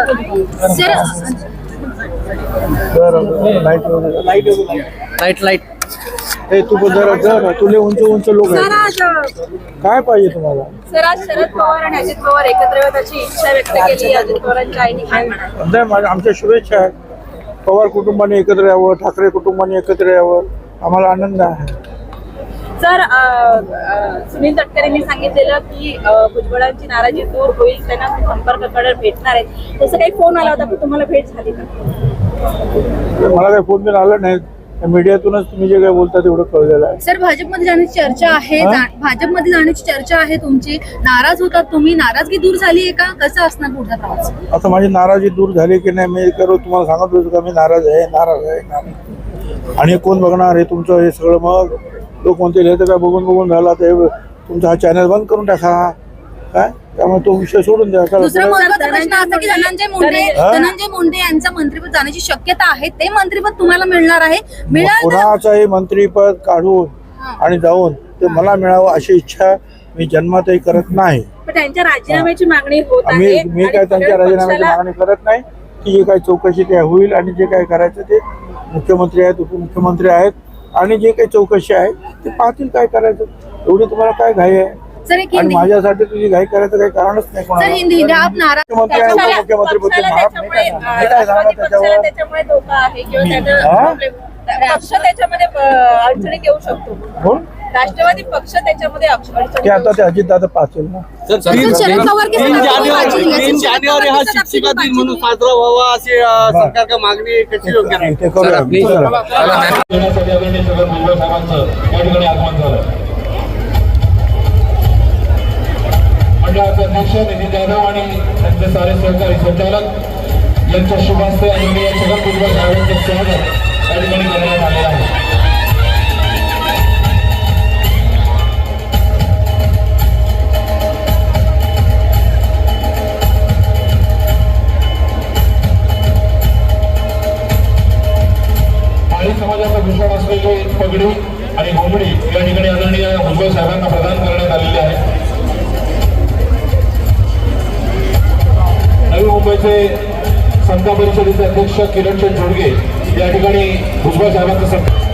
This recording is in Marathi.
लाईट हे तू जरा तुले उंच उंच लोक काय पाहिजे तुम्हाला? सर आज शरद पवार आणि अजित पवार एकत्र येऊन त्याची इच्छा व्यक्त केली. अजित पवारांच्या आईने काय म्हणाले? आमच्या शुभेच्छा आहेत. पवार कुटुंबाने एकत्र यावं, ठाकरे कुटुंबाने एकत्र यावं, आम्हाला आनंद आहे. सर सुनील तटकरेंनी सांगितलेलं की भुजबळांची नाराजी दूर होईल, त्यांना संपर्काकडे भेटणार आहेत. तसं काही फोन आला होता पण तुम्हाला भेट झाली का? मला काही फोन बिन आला नाही. मीडियातूनच तुम्ही जे काही बोलता तेवढं कळलेलं आहे. सर भाजपमध्ये जाण्याची चर्चा आहे, भाजपमध्ये जाण्याची चर्चा आहे तुमची. नाराज होतात तुम्ही, नाराजगी दूर झाली आहे का? कसं असणार पुढचा प्रवास? आता माझी नाराजी दूर झाली की नाही मी तुम्हाला सांगत होतो का मी नाराज आहे. आणि कोण बघणार हे तुमचं हे सगळं? मग लोक म्हणतील हे तर काय बघून झाला ते तुमचा हा चॅनल बंद करून टाका काय. त्यामुळे तो विषय सोडून द्या. दुसरा महत्त्वाचा प्रश्न असा की धनंजय मुंडे यांचं मंत्रिपद जाण्याची शक्यता आहे. ते मंत्रिपद तुम्हाला मिळणार आहे? कुणाचंही मंत्रिपद काढून आणि जाऊन ते मला मिळावं अशी इच्छा मी जन्मातही करत नाही. त्यांच्या राजीनाम्याची मागणी होत आहे. मी काय त्यांच्या राजीनाम्याची मागणी करत नाही. की जे काही चौकशी ते होईल आणि जे काही करायचं ते मुख्यमंत्री आहेत, उपमुख्यमंत्री आहेत आणि जे काही चौकशी आहे ते पाहतील काय करायचं. एवढी तुम्हाला काय घाई आहे? आणि माझ्यासाठी तुझी घाई करायचं काही कारणच नाही. त्याच्यामुळे धोका आहे किंवा पक्ष त्याच्यामध्ये अडचणीत येऊ शकतो. राष्ट्रवादी पक्ष त्याच्यामध्ये अडचणी आता ते अजितदादा पाहतील ना. 3 जानेवारी हा शिक्षिका दिन म्हणून साजरा व्हावा अशी सरकार का मागणी कशी योग्य नाही? ते करूया. मंडळाचे अध्यक्ष नितीन जाधव आणि त्यांचे सारे सहकारी संचालक यांच्या शुभ हस्ते आदरणीय छगन भुजबळ साहेबांचे स्वागत या ठिकाणी करण्यात आलेलं आहे. माळी समाजाचा भूषण असलेली पगडी आणि घोंगडी या ठिकाणी आदरणीय भुजबळ साहेबांना प्रदान करण्यात आलेली आहे. नवी मुंबईचे समता परिषदेचे अध्यक्ष किरण जोडगे या ठिकाणी भुजबळ साहेबांचं